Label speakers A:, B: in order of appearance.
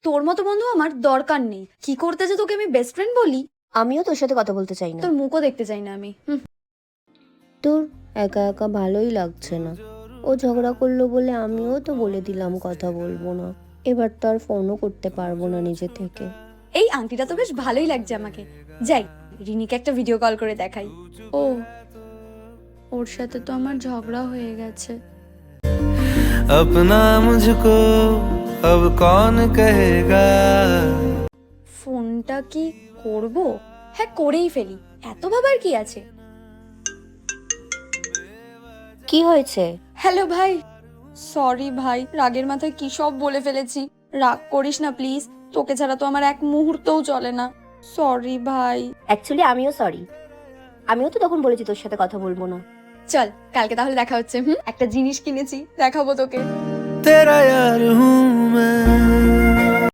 A: তোর মতো বন্ধু আমার দরকার নেই। কি করতে যে তোকে আমি বেস্ট ফ্রেন্ড বলি?
B: আমিও তোর সাথে কথা বলতে চাই না।
A: তোর মুখও দেখতে চাই না আমি।
B: তোর একা একা ভালোই লাগছে না। ও ঝগড়া করলো বলে আমিও তো বলে দিলাম কথা বলবো না। এবার তো আর ফোনও করতে পারবো না নিজে থেকে।
A: এই আংটিটা তো বেশ ভালোই লাগছে আমাকে। যাই, রিনিকে একটা ভিডিও কল করে দেখাই। ও, ওর সাথে তো আমার ঝগড়া হয়ে গেছে।
C: अपना मुझको अब कौन कहेगा।
A: ফোনটা কি করব? হ্যাঁ, করেই ফেলি, এত ভাবার কি আছে।
B: কি হয়েছে?
A: হ্যালো ভাই। সরি ভাই, রাগের মাথায় কি সব বলে ফেলেছি। রাগ করিস না প্লিজ, তোকে ছাড়া তো আমার এক মুহূর্তও চলে না। সরি ভাই।
B: অ্যাকচুয়ালি আমিও সরি। আমিও তো তখন বলেছি তোর সাথে কথা বলবো না।
A: চল কালকে তাহলে দেখা হচ্ছে। একটা জিনিস কিনেছি, দেখাবো তোকে।
C: तेरा यार हूँ मैं।